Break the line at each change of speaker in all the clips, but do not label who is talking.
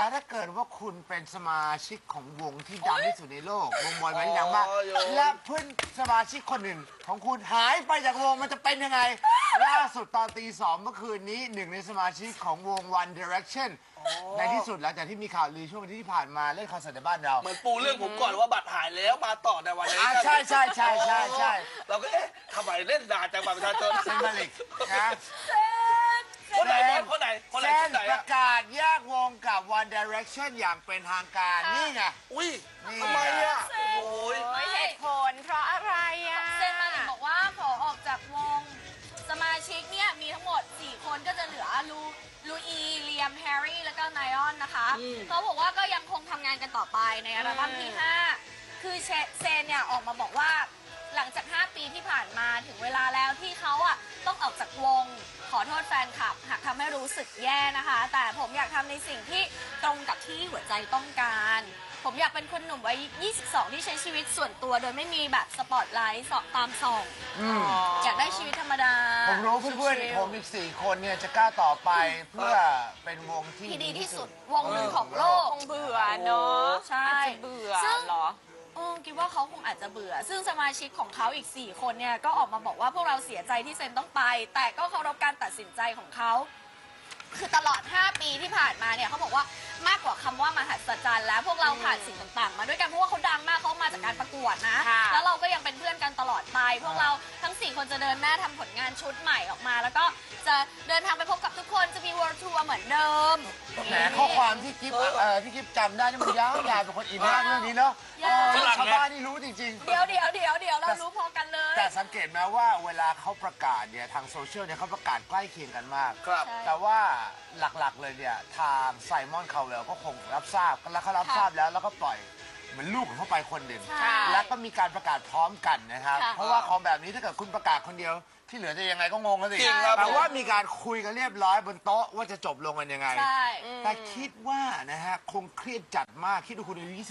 แล้วถ้าเกิดว่าคุณเป็นสมาชิกของวงที่ดังที่สุดในโลกวงบอยแบนด์ที่ดังมากและเพื่อนสมาชิกคนหนึ่งของคุณหายไปจากวงมันจะเป็นยังไงล่าสุดตอนตี 2เมื่อคืนนี้หนึ่งในสมาชิกของวง One Direction ในที่สุดหลังจากที่มีข่าวลือช่วงที่ผ่านมาเล่นคอนเสิร์ตในบ้านเรา
เหมือนปูเรื่องผมก่อนว่าบัตรหายแล้วมาต่อในวันนี้
ใช่ใช่ใช่ใช่ใช่
เราก็เอ๊ะทำไมเล่นนานจังบัตรประชาชน
เซนมาลิกนะ
คนไหนบอลคนไหนคนไหน
เซ
คน นไหน
ประกาศแยกวงกับ One Direction อย่างเป็นทางการนี่ไง
อุ้ย
นี่
ทำไมอ่ะโอ้ย
เหตุผลเพราะอะไรอ่ะ
เซนมาลิกบอกว่าขอออกจากวงสมาชิกเนี่ยมีทั้งหมด 4 คนก็จะเหลือลูอีเลียมแฮร์รี่แล้วก็ไนออนนะคะเขาบอกว่าก็ยังคงทำงานกันต่อไปในอัลบั้มที่ 5 คือเซนเนี่ยออกมาบอกว่าหลังจาก 5 ปีที่ผ่านมาถึงเวลาแล้วที่เขาอ่ะต้องออกจากวงขอโทษแฟนคลับหากทำให้รู้สึกแย่นะคะ แต่ผมอยากทำในสิ่งที่ตรงกับที่หัวใจต้องการ ผมอยากเป็นคนหนุ่มวัย 22 ที่ใช้ชีวิตส่วนตัวโดยไม่มีแบบสปอตไลท์สอบตามส่องอยากได้ชีวิตธรรมดา
ผมรู้เพื่อนๆผมอีก 4 คนเนี่ยจะกล้าต่อไปเพื่อเป็นวงที่
ที่ดีที่สุดวงหนึ่งของโลก
คงเบื่อเนาะ
ใช่
อาจจะเบื่อ
ซึ่ง
เหรอ
คิดว่าเขาคงอาจจะเบื่อ ซึ่งสมาชิกของเขาอีก 4 คนเนี่ยก็ออกมาบอกว่าพวกเราเสียใจที่เซนต้องไป แต่ก็เคารพการตัดสินใจของเขา คือตลอด 5 ปีที่ผ่านมาเนี่ยเขาบอกว่ามากกว่าคำว่ามหัศจรรย์แล้วพวกเราผ่านสิ่งต่างๆ มาด้วยกันเพราะว่าเขาดังมากเขามาจากการประกวดนะ
ค่ะ
แล้วเราก็ยังเป็นเพื่อนกันตลอดไป พวกเราทั้ง 4 คนจะเดินหน้าทำผลงานชุดใหม่ออกมา แล้วก็จะเดินทางไปพบกับทุกคนจะมี World Tour เหมือนเดิม
แหมข้อความที่กิ๊บที่กิ๊บจำได้นี่มันยาวๆเป็นคนอินมากเรื่องนี้เนาะ
ยาว
ชาวบ้านนี่รู้จริงๆ
เดี๋ยวเรารู้พอกันเลย
แต่สังเกตไหมว่าเวลาเขาประกาศเนี่ยทางโซเชียลเนี่ยเขาประกาศใกล้เคียงกันมาก
ครับ
ใช่
แต่ว่าหลักๆเลยเนี่ยทางไซมอนคาเวลก็คงรับทราบแล้วเขารับทราบแล้วก็ปล่อยเหมือนลูกของเขาไปคนหนึ่ง
ใช่
แล้วก็มีการประกาศพร้อมกันนะครับ
ค่ะ
เพราะว่าของแบบนี้ถ้าเกิดคุณประกาศคนเดียว ที่เหลือจะยังไงก็งงกันสิ
จริงครับ
แต่ว่ามีการคุยกันเรียบร้อยบนโต๊ะว่าจะจบลงกันยังไง
ใช่
แต่คิดว่านะฮะคงเครียดจัดมากคิดดูคุณอายุ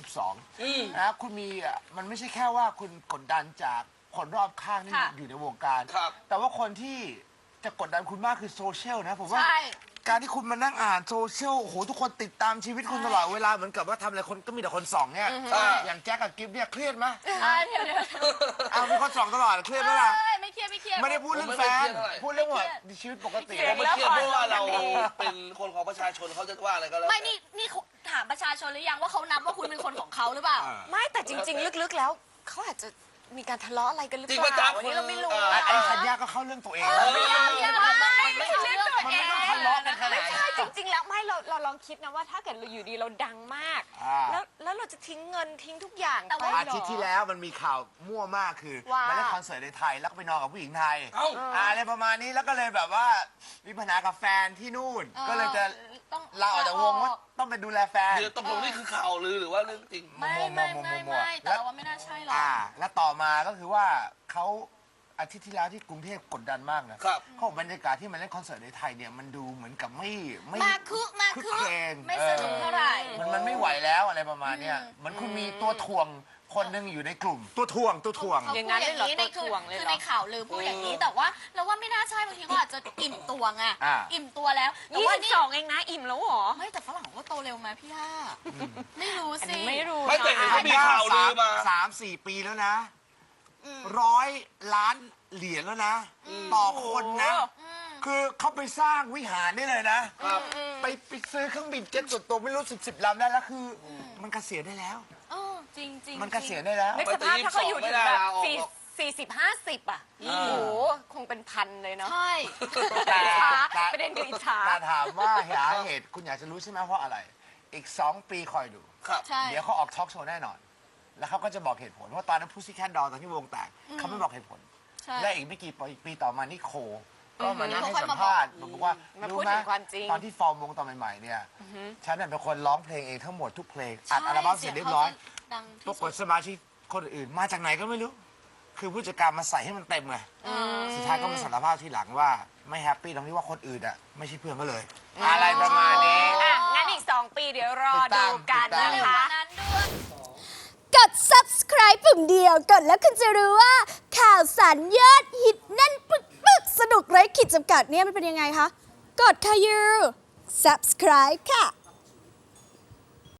22นะคุณมีมันไม่ใช่แค่ว่าคุณกดดันจากคนรอบข้างที่
ค่ะ
อยู่ในวงการ
ครับ
แต่ว่าคนที่จะกดดันคุณมากคือโซเชียลนะผมว่า
ใช่
การที่คุณมานั่งอ่านโซเชียลโอ้โหทุกคนติดตามชีวิตคุณตลอดเวลาเหมือนกับว่าทำอะไรคนก็มีแต่คนส่องเนี่ยอย่างแจ็คกับกิฟเนี่ยเครียดไหม
เดี๋ยว
เอามีคนส่องตลอดเครียดไหมล่ะ
ไม่เครียดไม่เครียด
ไม่ได้พูดเรื่องแฟนพูดเรื่องว่าชีวิตปกติ
ผมไม่เครียดเพราะว่าเราเป็นคนของประชาชนเขาจะว่าอะไรก็แล้ว
ไม่นี่ถามประชาชนหรือยังว่าเขานับว่าคุณเป็นคนของเขาหรือเปล่า
ไม่แต่จริง ๆ ลึกๆแล้วเขาอาจจะมีการทะเลาะอะไรกันหรือ
จริง
เป
ประ
ล่า
จำ
อันนี้เราไม่รู้
ไอ้ธัญญาก็เข้าเรื่องตัวเองแล้ว
ไม่ใช่เรื่องตัว
มัน
เอ
ไม่ต้อง
ง
ทะเลาะกันขนาด
ไม่
นั้น
ใช่จริง ๆ แล้วไม่เราลองคิดนะว่าถ้าเกิดเราอยู่ดีเราดังมาก
อ่า
แล้วเราจะทิ้งเงินทิ้งทุกอย่าง
แต่
ไป
ว่า
เหร
อาทิตย์ที่แล้วมันมีข่าวมั่วมากคือ
ว่า
มาเล่นคอนเสิร์ตในไทยแล้วก็ไปนอนกับผู้หญิงไทย
เอ้า
อะไรประมาณนี้แล้วก็เลยแบบว่ามีปัญหากับแฟนที่นู่น ก็เลยจะ
ต้อง
ลาออกจากวงว่าต้องไปดูแลแฟน
เดี๋ยวตกลงนี่คือข่าวลือหรือว่าเรื่องจริง
ไม่แต่ว่าไม่น่าใช่หรอก
และต่อมาก็คือว่าเขาอาทิตย์ที่แล้วที่กรุงเทพกดดันมากนะครับ เขาบอกบรรยากาศที่มันเล่นคอนเสิร์ตในไทยเนี่ยมันดูเหมือนกับไม่
มาคึ
คึกเพลง
ไม่สนุกเท่าไหร่
มันไม่ไหวแล้วอะไรประมาณเนี้ยเหมือนคุณมีตัวถ่วงคนหนึงอยู่ในกลุ่ม ตัวถ่วง
เขาพูดอย่างนี้ในคือในข่าวลือพูดอย่างนี้แต่ว่าเราว่าไม่น่าใช่บางทีเขาอาจจะอิ่มตัวไงอิ่มตัวแล้วแต่ว่านี่
22เองนะอิ่มแล้วเหรอ
ไม่แต่ฝรั่งก็โตเร็วไหมพี่ย่าไม่รู้
อัน
สิ
นี้ไม่รู้
ไม่แต่เห็นว่ามีข่าวลือมา
3-4 ปีแล้วนะ100 ล้านเหรียญแล้วนะ ต่อคนนะ คือเขาไปสร้างวิหารได้เลยนะ
ครับ
ไปซื้อเครื่องบินเจ็ตส่วนตัวไม่รู้10 ลำได้แล้วคือมันเกษียณได้แล้ว
จริง
มันเกษียณได้แล้ว
นึกสภาพถ้าเขาอยู่ถึงแบบ
ไม่ได้ลาออกหรอก
40-50 อ่ะโอ้โหคงเป็นพันเลยเนาะ
ใช่
แต่
ประเด็นคืออิจฉา
แต่ถามว่าหาเหตุคุณอยากจะรู้ใช่ไหมเพราะอะไร อีก 2 ปีคอยดู
ครับ
ใช่
เดี๋ยวเขาออกทอล์กโชว์แน่นอน แล้วเขาก็จะบอกเหตุผลว่าตอนนั้นพูซี่แคทดอลตอนที่วงแตกเขาไม่บอกเหตุผล
ใช่
และอีกไม่กี่ปีต่อมานี่โค ก็มานั่งให้สัมภาษณ์บอกว่า
มาพู
รู้
ด
ไหม
ถึงความจริง
ตอนที่ฟอร์มวงตอนใหม่ๆเนี่ยฉันเนี่ยเป็นคนร้องเพลงเองทั้งหมดทุกเพลงอัดอัลบั้มเสร็จเรียบร้อย
ดัง
ป
ที่
ราก
สุ
ฏ
ด
สมาชิกคนอื่นมาจากไหนก็ไม่รู้ คือผู้จัดการมาใส่ให้มันเต็มไงสุดท้ายก็มาสารภาพทีหลังว่าไม่แฮปปี้ตรงที่ว่าคนอื่นอ่ะไม่ใช่เพื่อนก็เลย อะไรประมาณนี้
อ่ะงั้นอีก 2 ปีเดี๋ยวรอดูกัน
ติดตาม
นะ
เร็ว
คะ
กว่านั้นด้วย
กด subscribe ปุ่มเดียวกดแล้วคุณจะรู้ว่า ข่าวสารยอดฮิตแน่นปึ๊กๆ สนุกไร้ขีดจำกัดเนี่ยมันเป็นยังไงคะ กดค่ะยู subscribe ค่ะ